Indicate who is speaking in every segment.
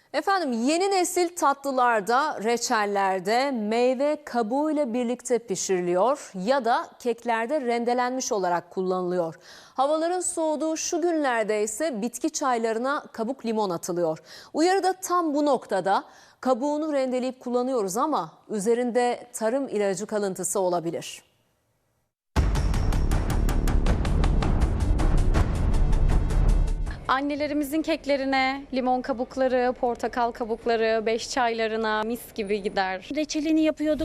Speaker 1: Efendim yeni nesil tatlılarda, reçellerde meyve kabuğuyla birlikte pişiriliyor ya da keklerde rendelenmiş olarak kullanılıyor. Havaların soğuduğu şu günlerde ise bitki çaylarına kabuk limon atılıyor. Uyarı da tam bu noktada. Kabuğunu rendeleyip kullanıyoruz ama üzerinde tarım ilacı kalıntısı olabilir.
Speaker 2: Annelerimizin keklerine limon kabukları, portakal kabukları, beş çaylarına mis gibi gider.
Speaker 3: Reçelini yapıyorduk.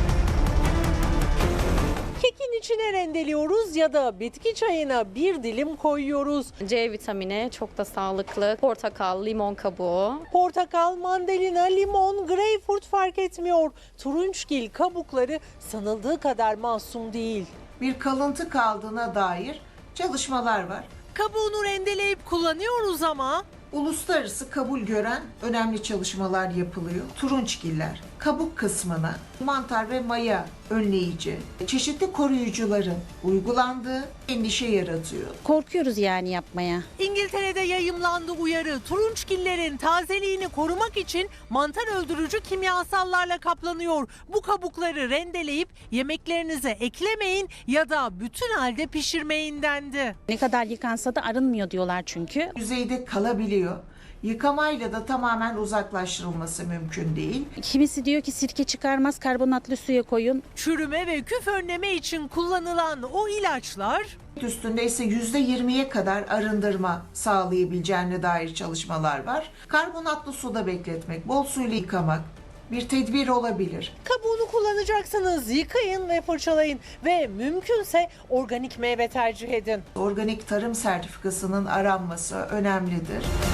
Speaker 4: Kekin içine rendeliyoruz ya da bitki çayına bir dilim koyuyoruz.
Speaker 2: C vitamini çok da sağlıklı. Portakal, limon kabuğu.
Speaker 4: Portakal, mandalina, limon, greyfurt fark etmiyor. Turunçgil kabukları sanıldığı kadar masum değil.
Speaker 5: Bir kalıntı kaldığına dair çalışmalar var.
Speaker 4: Kabuğunu rendeleyip kullanıyoruz ama
Speaker 5: Uluslararası kabul gören önemli çalışmalar yapılıyor. Turunçgiller kabuk kısmına mantar ve maya önleyici, çeşitli koruyucuların uygulandığı endişe yaratıyor.
Speaker 3: Korkuyoruz yani yapmaya.
Speaker 4: İngiltere'de yayımlandı uyarı. Turunçgillerin tazeliğini korumak için mantar öldürücü kimyasallarla kaplanıyor. Bu kabukları rendeleyip yemeklerinize eklemeyin ya da bütün halde pişirmeyin dendi.
Speaker 3: Ne kadar yıkansa da arınmıyor diyorlar çünkü.
Speaker 5: Yüzeyde kalabiliyor. Yıkamayla da tamamen uzaklaştırılması mümkün değil.
Speaker 3: Kimisi diyor ki sirke çıkarmaz, karbonatlı suya koyun.
Speaker 4: Çürüme ve küf önleme için kullanılan o ilaçlar
Speaker 5: Üstünde ise %20'ye kadar arındırma sağlayabileceğine dair çalışmalar var. Karbonatlı suda bekletmek, bol suyla yıkamak bir tedbir olabilir.
Speaker 4: kabuğunu kullanacaksınız. Yıkayın ve fırçalayın ve mümkünse organik meyve tercih edin.
Speaker 5: Organik tarım sertifikasının aranması önemlidir.